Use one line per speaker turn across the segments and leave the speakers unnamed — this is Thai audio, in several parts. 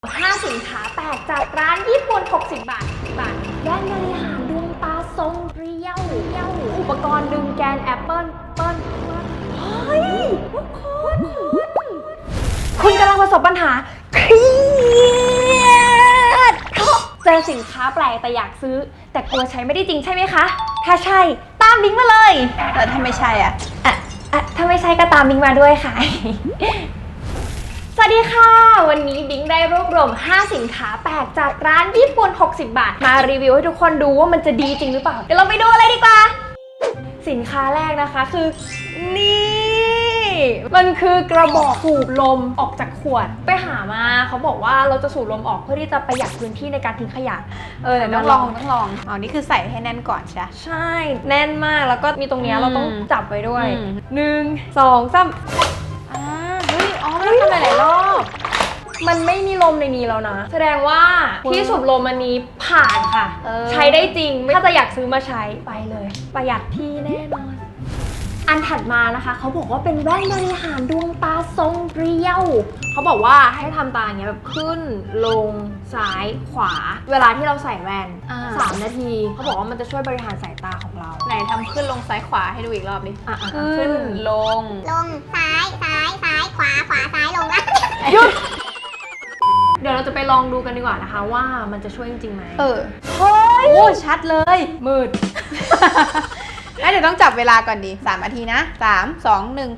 5 สินค้าแปลกจากร้านญี่ปุ่น60 บาทแว่นบริหารดวงตาทรงเรียวอุปกรณ์ดึงแกนแอปเปิลเฮ้ยทุกคนคุณกำลังประสบปัญหาเครียดเจอสินค้าแปลกแต่อยากซื้อแต่กลัวใช้ไม่ได้จริงใช่ไหมคะถ้าใช่ตามลิงก์มาเลย
แต่ถ้าไม่ใช่
ถ้าไม่ใช่ก็ตามลิงก์มาด้วยค่ะ สวัสดีค่ะวันนี้บิงได้รวบรวม5 สินค้าแปลกจากร้านญี่ปุ่น60 บาทมารีวิวให้ทุกคนดูว่ามันจะดีจริงหรือเปล่าเดี๋ยวเราไปดูอะไรดีกว่าสินค้าแรกนะคะคือนี่มันคือกระบอกสูบลมออกจากขวดไปหามาเขาบอกว่าเราจะสูบลมออกเพื่อที่จะประหยัดพื้นที่ในการทิ้งขยะ
แต่ต้องลองอ๋อนี่คือใส่ให้แน่นก่อนใช่
ใช่แน่นมากแล้วก็มีตรงนี้เราต้องจับไว้ด้วย1 2 3
เฮ้ยไม่ต้องทำหลายรอบ
มันไม่มีลมในนี้แล้วนะแสดงว่าที่สูบลมอันนี้ผ่านค่ะใช้ได้จริงถ้าจะอยากซื้อมาใช้ไปเลยประหยัดที่แน่นอนอันถัดมานะคะเขาบอกว่าเป็นแว่นบริหารดวงตาทรงเรียวเขาบอกว่าให้ทำตาอย่างเงี้ยแบบขึ้นลงซ้ายขวาเวลาที่เราใส่แว่น3 นาทีเขาบอกว่ามันจะช่วยบริหารสายตาของเรา
ไหนทำขึ้นลงซ้ายขวาให้ดูอีกรอบดิ
ขึ้น
ลง
ซ้ายขวาซ้ายลงละ
หยุดเดี๋ยวเราจะไปลองดูกันดีกว่านะคะว่ามันจะช่วยจริงๆไหม
เฮ้ยโอ้ชัดเลย
มืด
เดี๋ยวต้องจับเวลาก่อนดิ3 นาทีนะ3 2 1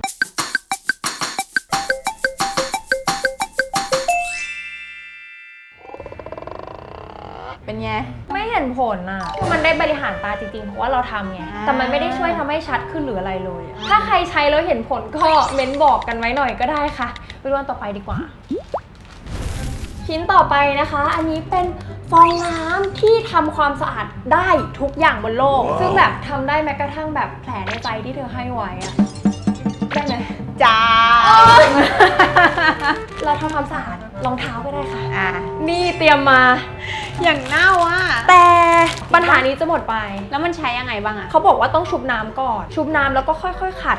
เป็นไง
ไม่เห็นผลอ่ะมันได้บริหารตาจริงๆเพราะว่าเราทำไงแต่มันไม่ได้ช่วยทำให้ชัดขึ้นหรืออะไรเลยถ้าใครใช้แล้วเห็นผลก็เม้นบอกกันไว้หน่อยก็ได้ค่ะไปดูอันต่อไปดีกว่าชิ้นต่อไปนะคะอันนี้เป็นฟองน้ำที่ทำความสะอาดได้ทุกอย่างบนโลกซึ่งแบบทำได้แม้กระทั่งแบบแผลในใจที่เธอให้ไว้อะได้ไหม
จ้า
เราทำความสะอาดรองเท้าก็ได้ค่ะนี่เตรียมมา
อย่างเน่าอ่ะ
แต่ปัญหานี้จะหมดไป
แล้วมันใช้ยังไงบ้างอ่ะ
เขาบอกว่าต้องชุบน้ำก่อนชุบน้ำแล้วก็ค่อยๆขัด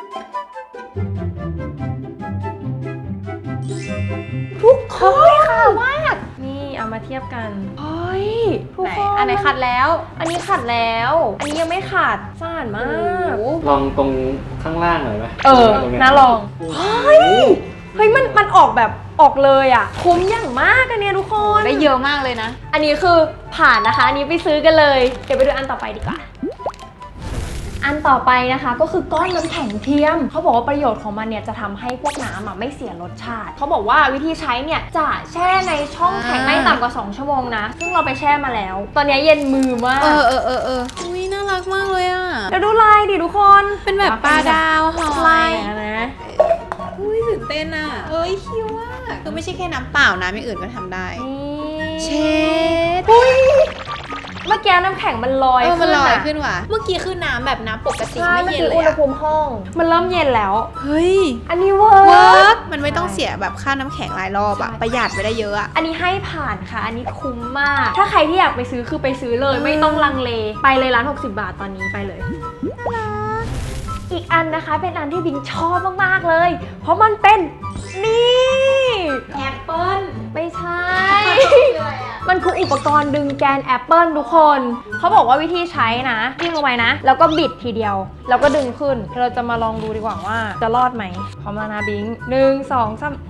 ทุกคนค่ะมากนี่เอามาเทียบกันเฮ้ยทุกคน
อันไหนขัดแล้ว
อันนี้ขัดแล้วอันนี้ยังไม่ขัดสะอาดมาก
ลองตรงข้างล่างหน่อยไหม
น่าลองเฮ้ยมันออกแบบออกเลยอ่ะคุ้มอย่างมากอันนี้ทุกคน
ได้เยอะมากเลยนะ
อันนี้คือผ่านนะคะอันนี้ไปซื้อกันเลยเดี๋ยวไปดูอันต่อไปดีกว่าอันต่อไปนะคะก็คือก้อนน้ำแข็งเทียมเขาบอกว่าประโยชน์ของมันเนี่ยจะทำให้พวกน้ำไม่เสียรสชาติเขาบอกว่าวิธีใช้เนี่ยจะแช่ในช่องแข็งไม่ต่ำกว่า2 ชั่วโมงนะซึ่งเราไปแช่มาแล้วตอนนี้เย็นมือมาก
อุ้ยน่ารักมากเลยอ่ะ
เดี๋ยวดูลายดิทุกคน
เป็นแบบปลาดาวหอย
ลายนะ
อุ้ยตื่นเต้นอ่ะคิวอ่ะคือไม่ใช่แค่น้ำเปล่านะไม่อื่นก็ทำได้เช็ด
เมื่อกี้น้ำแข็งมันลอย
ขึ้นว่ะเมื่อกี้คือน้ำแบบน้ำปกติไม่เย็นเลย
อุณหภูมิห้องมันเริ่มเย็นแล้ว
เฮ้ย
อันนี้เวิร์ก
มันไม่ต้องเสียแบบค่าน้ำแข็งหลายรอบอะประหยัดไปได้เยอะอะ
อันนี้ให้ผ่านค่ะอันนี้คุ้มมากถ้าใครที่อยากไปซื้อคือไปซื้อเลยไม่ต้องลังเลไปเลยร้าน60 บาทตอนนี้ไปเลยอีกอันนะคะเป็นอันที่บิงชอบมากๆเลยเพราะมันเป็นนี่
แอปเปิ้ล
ไม่ใช่มันคืออุปกรณ์ดึงแกนแอปเปิลทุกคนเขาบอกว่าวิธีใช้นะจิ้มลงไปนะแล้วก็บิดทีเดียวแล้วก็ดึงขึ้นเราจะมาลองดูดีกว่าว่าจะรอดไหมพร้อมแล้วนะบิง1 2 3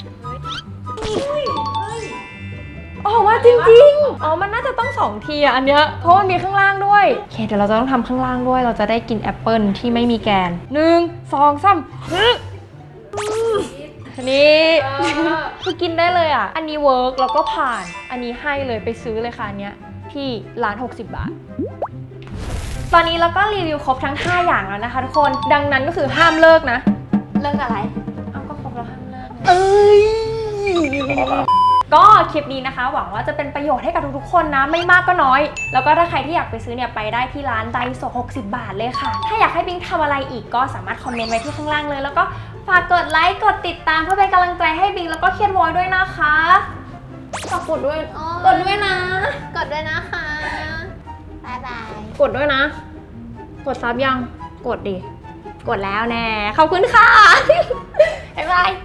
อ๋อว่าจริงๆมันน่าจะต้อง2 ทีอันเนี้ยเพราะมันมีข้างล่างด้วยโอเคเดี๋ยวเราจะต้องทำข้างล่างด้วยเราจะได้กินแอปเปิลที่ไม่มีแกน1 2 3นี่คือกินได้เลยอ่ะอันนี้เวิร์กแล้วก็ผ่านอันนี้ให้เลยไปซื้อเลยค่ะอันเนี้ยที่ร้าน60 บาทตอนนี้เราก็รีวิวครบทั้ง5 อย่างแล้วนะคะทุกคนดังนั้นก็คือห้ามเลิกนะ
เลิกอะไร
ก็ครบแล้วห้ามเลิกก็คลิปนี้นะคะหวังว่าจะเป็นประโยชน์ให้กับทุกๆคนนะไม่มากก็น้อยแล้วก็ถ้าใครที่อยากไปซื้อเนี่ยไปได้ที่ร้านไดโซ60 บาทเลยค่ะถ้าอยากให้บิงทำอะไรอีกก็สามารถคอมเมนต์ไว้ที่ข้างล่างเลยแล้วก็ฝากกดไลค์กดติดตามเพื่อเป็นกำลังใจให้บิงแล้วก็เคียนวอยด้วยนะคะฝากกดด้วยนะ
กดด้วยนะคะบ๊ายบาย
กดด้วยนะกดซับยังกดดิกดแล้วแน่ขอบคุณค่ะบ๊ายบาย